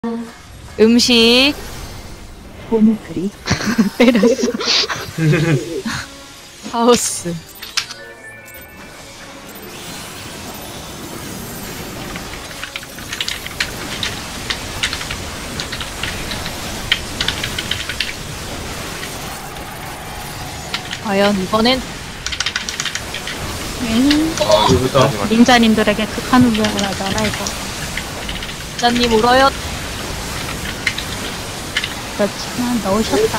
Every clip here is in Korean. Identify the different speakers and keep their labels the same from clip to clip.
Speaker 1: 음식
Speaker 2: 보물크리 때렸어.
Speaker 1: 하우스 과연 이번엔
Speaker 3: 이거부터
Speaker 2: 닌자님들에게 극한 운명을 하잖아 이거.
Speaker 1: 짜님 울어요.
Speaker 2: 그렇지만 넣으셨다.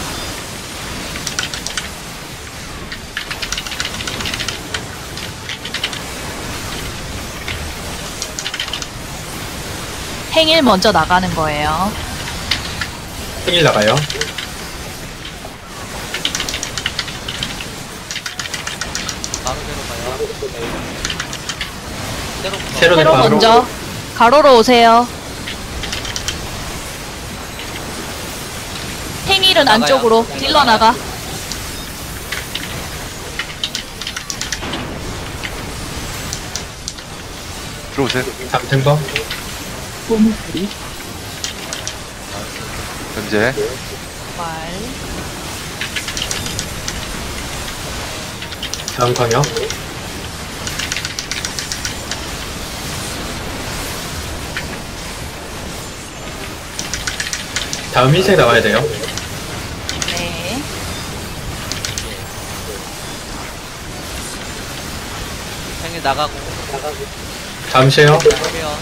Speaker 1: 행일 먼저 나가는 거예요.
Speaker 3: 생일 나가요. 새로
Speaker 1: 새로
Speaker 3: 바로
Speaker 1: 먼저 가로로 오세요. 행일은 안쪽으로 딜러 나가.
Speaker 4: 들어오세요.
Speaker 3: 잠탱버
Speaker 2: 보물크리
Speaker 4: 현재
Speaker 1: 말
Speaker 3: 다음 광역 다음 흰색 나와야 돼요.
Speaker 1: 네.
Speaker 5: 생일 나가고
Speaker 3: 다음 쉐어
Speaker 5: 할게요.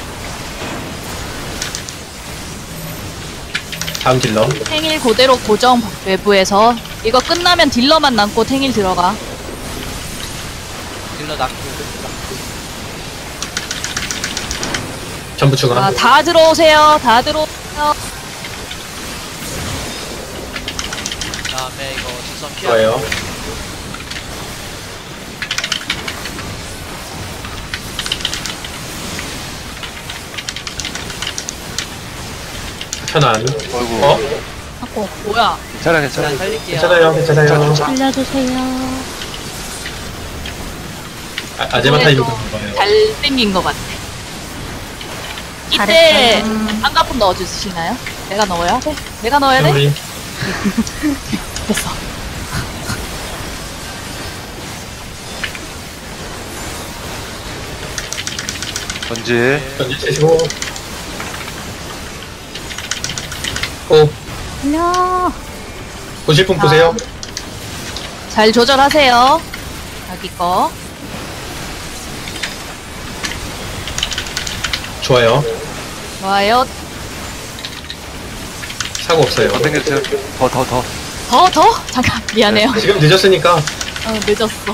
Speaker 3: 다음 딜러
Speaker 1: 행일 그대로 고정 외부에서 이거 끝나면 딜러만 남고 행일 들어가.
Speaker 5: 딜러 낙고
Speaker 3: 전부 중앙
Speaker 1: 다 들어오세요. 다 들어오세요.
Speaker 5: 다음에 이거 시선 피하고
Speaker 3: 좋아요. 편안.
Speaker 4: 어이구.
Speaker 2: 하고
Speaker 1: 뭐야?
Speaker 4: 괜찮아
Speaker 5: 그냥
Speaker 4: 괜찮아.
Speaker 5: 살릴게요.
Speaker 3: 괜찮아요, 괜찮아요.
Speaker 2: 살려주세요.
Speaker 3: 아제마 타이밍
Speaker 1: 그래도
Speaker 3: 거예요.
Speaker 1: 잘 생긴 것 같아. 이때
Speaker 2: 잘했어요.
Speaker 1: 한가품 넣어주시나요? 내가 넣어야 돼? 내가 넣어야 돼?
Speaker 3: 우리
Speaker 1: 됐어.
Speaker 4: 현재
Speaker 3: 던지시고 오
Speaker 2: 살려.
Speaker 3: 보실 분 보세요.
Speaker 1: 잘 조절하세요. 자기 거.
Speaker 3: 좋아요.
Speaker 1: 좋아요.
Speaker 3: 사고 없어요.
Speaker 4: 더 당겨주세요. 더.
Speaker 1: 더? 잠깐, 미안해요.
Speaker 3: 지금 늦었으니까
Speaker 1: 늦었어.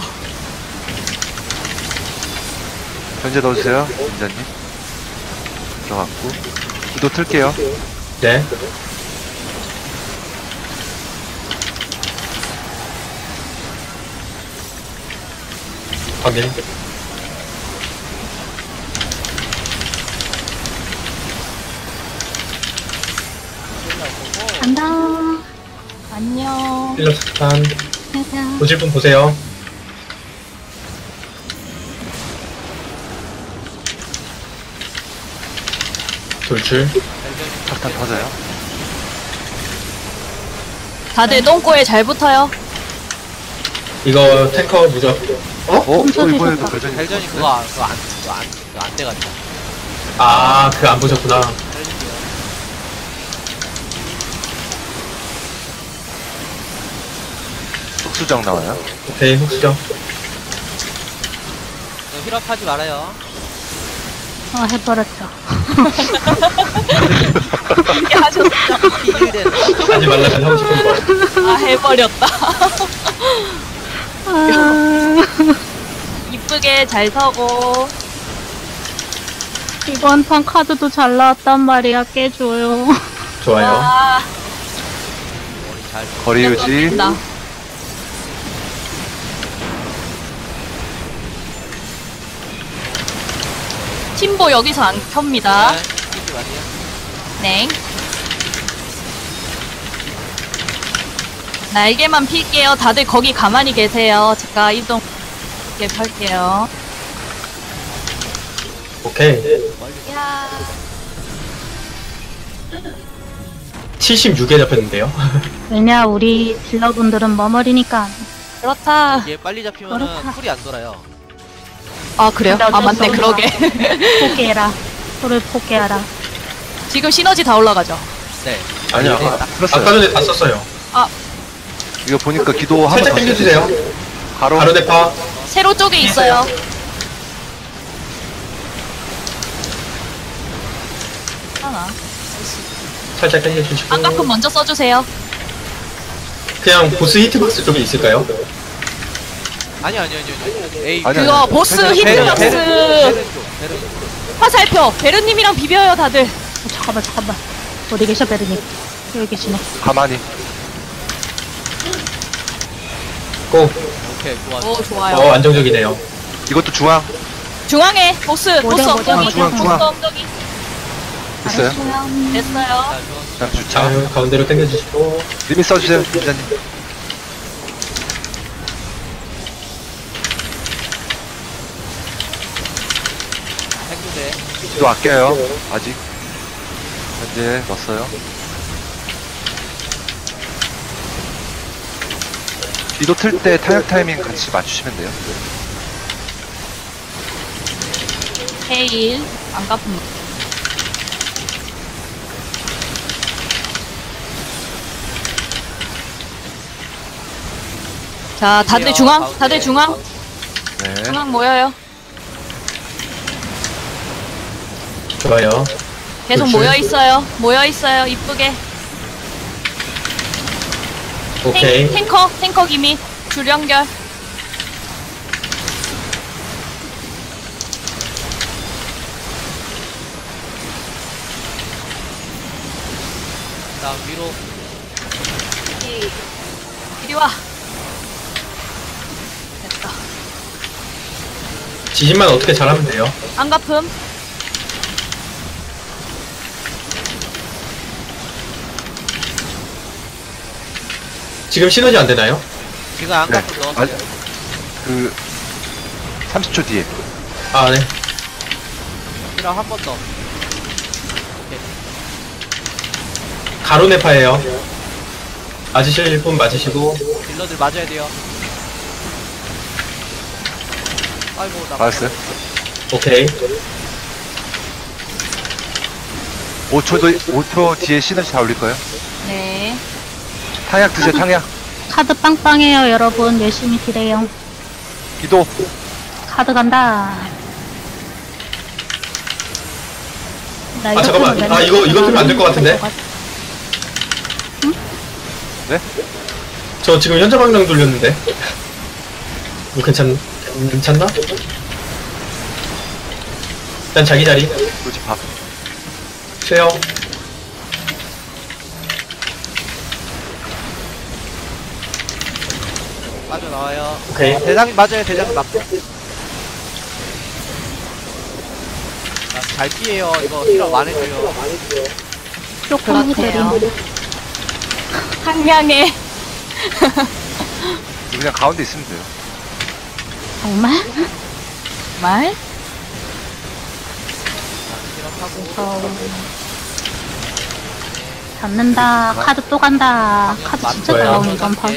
Speaker 4: 현재 넣어주세요. 민자님. 들어갔고. 구도 틀게요.
Speaker 3: 네. 확인.
Speaker 2: 간다.
Speaker 1: 안녕.
Speaker 3: 필러 스탄
Speaker 2: 가자.
Speaker 3: 보실 분 보세요. 돌출.
Speaker 4: 탑탄 터져요.
Speaker 1: 다들 똥꼬에 잘 붙어요.
Speaker 3: 이거 탱커 무적.
Speaker 4: 이번에도 별전이
Speaker 5: 벨전이 그거 안 돼가지고
Speaker 3: 아, 그 안 보셨구나.
Speaker 5: 살릴게요.
Speaker 4: 속수정 나와요.
Speaker 3: 오케이, 흑수정.
Speaker 5: 이거 힐업하지 말아요.
Speaker 2: 해버렸죠.
Speaker 1: 이렇게 하셨어.
Speaker 5: 비일된
Speaker 3: 하지 말라면 하고 싶은 거.
Speaker 1: 아, 해버렸다.
Speaker 2: 아,
Speaker 1: 이쁘게 잘 서고.
Speaker 2: 이번 판 카드도 잘 나왔단 말이야. 깨줘요.
Speaker 3: 좋아요.
Speaker 1: 와,
Speaker 5: 머리 잘
Speaker 4: 거리 유지.
Speaker 1: 나 팀보 여기서 안 켭니다.
Speaker 5: 끼지 마세요.
Speaker 1: 네. 날개만 필게요. 다들 거기 가만히 계세요. 제가 이동 이렇게 할게요.
Speaker 3: 오케이.
Speaker 1: 야.
Speaker 3: 76에 잡혔는데요.
Speaker 2: 왜냐, 우리 딜러분들은 머머리니까.
Speaker 1: 그렇다.
Speaker 5: 이게 빨리 잡히면은
Speaker 2: 그렇다.
Speaker 5: 쿨이 안 돌아요.
Speaker 1: 아, 그래요?
Speaker 2: 근데
Speaker 1: 아,
Speaker 2: 어쩔 수
Speaker 1: 맞네.
Speaker 2: 없나.
Speaker 1: 그러게.
Speaker 2: 포기해라. 소를 포기하라.
Speaker 1: 지금 시너지 다 올라가죠?
Speaker 5: 네.
Speaker 3: 아니요.
Speaker 5: 네,
Speaker 3: 아까
Speaker 4: 풀었어요.
Speaker 3: 전에 다 썼어요.
Speaker 4: 이거 보니까 기도 한번
Speaker 3: 살짝
Speaker 4: 더
Speaker 3: 당겨주세요.
Speaker 4: 바로
Speaker 3: 바로 대파.
Speaker 1: 세로 쪽에 있어요. 하나.
Speaker 3: 살짝 당겨주시고.
Speaker 1: 안가품 먼저 써주세요.
Speaker 3: 그냥 보스 히트박스 쪽에 있을까요?
Speaker 5: 아니요. 에이.
Speaker 4: 아니,
Speaker 1: 그거 보스
Speaker 4: 베른,
Speaker 1: 히트박스
Speaker 5: 베른 쪽.
Speaker 1: 화살표. 베르님이랑 비벼요, 다들.
Speaker 2: 잠깐만. 어디 계셔, 베르님? 여기 계시네.
Speaker 4: 가만히.
Speaker 3: 고.
Speaker 5: 오케이, 좋았어.
Speaker 1: 오, 좋아요.
Speaker 3: 안정적이네요.
Speaker 4: 이것도 중앙
Speaker 1: 중앙에 보스
Speaker 2: 뭐죠?
Speaker 1: 엉덩이.
Speaker 4: 중앙.
Speaker 1: 보스 엉덩이.
Speaker 4: 있어요.
Speaker 1: 됐어요.
Speaker 5: 자, 좋았어.
Speaker 4: 자,
Speaker 3: 자,
Speaker 4: 주차.
Speaker 3: 가운데로 당겨주시고.
Speaker 4: 리밋 써주세요, 기자님.
Speaker 5: 핵부대.
Speaker 4: 기도 아껴요. 아직. 현재 넣었어요. 기도 틀 때 타격 타이밍 같이 맞추시면 돼요.
Speaker 1: 헤일. 안가품. 자, 다들 중앙.
Speaker 5: 가운데.
Speaker 1: 다들 중앙.
Speaker 4: 네.
Speaker 1: 중앙 모여요.
Speaker 3: 좋아요.
Speaker 1: 계속
Speaker 3: 그렇지.
Speaker 1: 모여 있어요. 모여 있어요. 이쁘게.
Speaker 3: 오케이.
Speaker 1: 탱커 기미. 줄 연결.
Speaker 5: 다음 위로.
Speaker 1: 이리 와. 됐다.
Speaker 3: 지진만 어떻게 잘하면 돼요.
Speaker 1: 안가품.
Speaker 3: 지금 시너지 안 되나요?
Speaker 5: 지금 안
Speaker 4: 네.
Speaker 5: 갖고 넣었어요.
Speaker 4: 그 30초 뒤에.
Speaker 3: 아, 네.
Speaker 5: 그럼 한 번 더.
Speaker 3: 가로 네파예요. 맞으실 분 맞으시고.
Speaker 5: 딜러들 맞아야 돼요. 아이고, 나.
Speaker 4: 알았어요.
Speaker 3: 오케이.
Speaker 4: 5초 뒤에 시너지 다 올릴 거예요.
Speaker 1: 네.
Speaker 4: 탕약 드세요, 탕약.
Speaker 2: 카드 빵빵해요, 여러분. 열심히 딜해요.
Speaker 4: 기도.
Speaker 2: 카드 간다. 나
Speaker 3: 아, 잠깐만.
Speaker 2: 틀면
Speaker 3: 아, 이거 틀면 안 될 것 같은데?
Speaker 4: 네?
Speaker 3: 저 지금 현자 방향 돌렸는데. 이거 괜찮나? 일단 자기 자리.
Speaker 4: 그렇지, 밥.
Speaker 3: 쉬어요.
Speaker 5: 빠져나와요.
Speaker 3: 오케이.
Speaker 5: 대장님 맞아요, 대장님 맞고. 잘 피해요. 이거 힐업 안 해줘요.
Speaker 2: 조금
Speaker 1: 그렇대요.
Speaker 2: 후대림.
Speaker 1: 항량해.
Speaker 4: 그냥 가운데 있으면 돼요.
Speaker 2: 정말?
Speaker 1: 말?
Speaker 5: 힐업하고.
Speaker 2: 잡는다. 카드 또 간다. 카드 진짜 잘
Speaker 3: 맞아요.
Speaker 2: 나오네, 이번 판.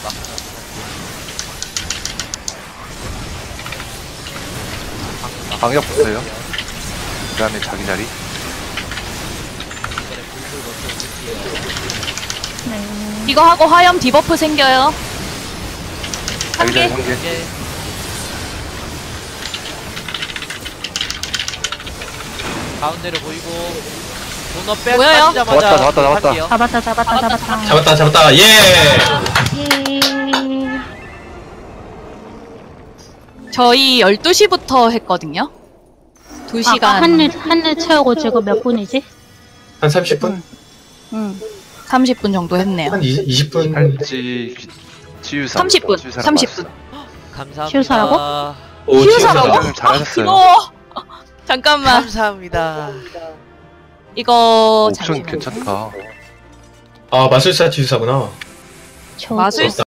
Speaker 4: 방역 붙어요. 그 다음에 자기 자리.
Speaker 2: 네.
Speaker 1: 이거 하고 화염 디버프 생겨요.
Speaker 4: 자기 자리
Speaker 1: 개.
Speaker 4: 3개.
Speaker 5: 가운데로 보이고. 도너 백
Speaker 1: 보여요?
Speaker 5: 빠지자마자
Speaker 4: 나왔다.
Speaker 5: 할게요.
Speaker 2: 잡았다.
Speaker 3: 예!
Speaker 2: 예.
Speaker 1: 저희 12시부터 했거든요. 2시간.
Speaker 2: 아까 한일 채우고 지금 몇 분이지?
Speaker 3: 한 30분?
Speaker 2: 응.
Speaker 1: 30분 정도 했네요.
Speaker 3: 한 20분?
Speaker 4: 팔찌, 치유사.
Speaker 1: 30분.
Speaker 4: 치유사가
Speaker 1: 30분.
Speaker 5: 감사합니다.
Speaker 2: 치유사라고?
Speaker 3: 오,
Speaker 1: 치유사라고?
Speaker 4: 나왔어요. 잘하셨어요.
Speaker 1: 이거 잠깐만.
Speaker 5: 감사합니다.
Speaker 1: 이거
Speaker 4: 옵션
Speaker 1: 잠시만요.
Speaker 4: 괜찮다.
Speaker 3: 아, 마술사 치유사구나.
Speaker 2: 저
Speaker 1: 마술사